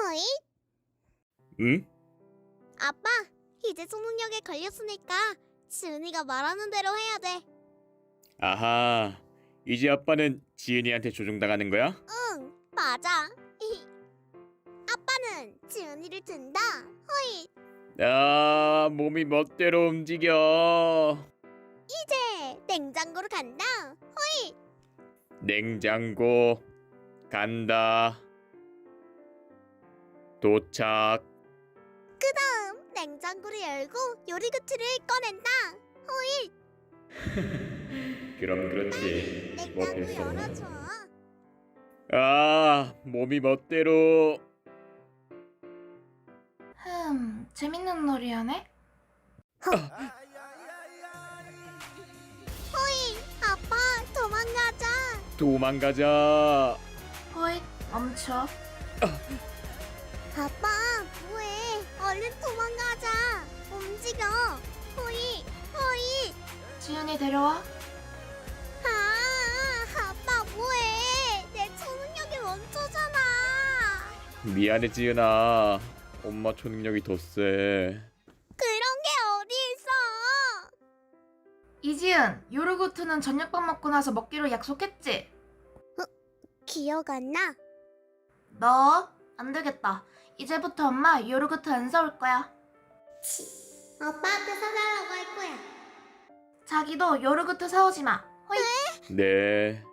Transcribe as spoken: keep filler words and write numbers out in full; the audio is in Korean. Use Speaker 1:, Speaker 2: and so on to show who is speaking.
Speaker 1: 허이?
Speaker 2: 응?
Speaker 1: 아빠, 이제 초능력에 걸렸으니까 지은이가 말하는 대로 해야 돼.
Speaker 2: 아하, 이제 아빠는 지은이한테 조종당하는 거야?
Speaker 1: 응, 맞아. 아빠는 지은이를 든다. 허이,
Speaker 2: 아, 몸이 멋대로 움직여.
Speaker 1: 이제 냉장고로 간다. 허이,
Speaker 2: 냉장고 간다. 도착.
Speaker 1: 그다음 냉장고를 열고 요리구트를 꺼낸다. 허이,
Speaker 2: 그럼 그렇지.
Speaker 1: 냉장고
Speaker 2: 못했어.
Speaker 1: 열어줘.
Speaker 2: 아, 몸이 멋대로.
Speaker 3: 흠, 재밌는 놀이하네?
Speaker 1: 허이, 아빠, 도망가자.
Speaker 2: 도망가자.
Speaker 3: 호잇, 멈춰.
Speaker 1: 아빠, 뭐해? 얼른 도망가자. 움직여. 허이, 허이.
Speaker 3: 지은이 데려와.
Speaker 1: 아, 아빠 뭐해? 내 초능력이 멈춰잖아.
Speaker 2: 미안해 지은아. 엄마 초능력이 더 세.
Speaker 1: 그런 게 어디 있어?
Speaker 3: 이지은, 요르고트는 저녁밥 먹고 나서 먹기로 약속했지?
Speaker 1: 기억 안 나?
Speaker 3: 너? 안 되겠다. 이제부터 엄마 요르고트 안 사올 거야.
Speaker 1: 아빠한테 사달라고 할 거야.
Speaker 3: 자기도 요르고트 사오지 마. 호잇.
Speaker 2: 네.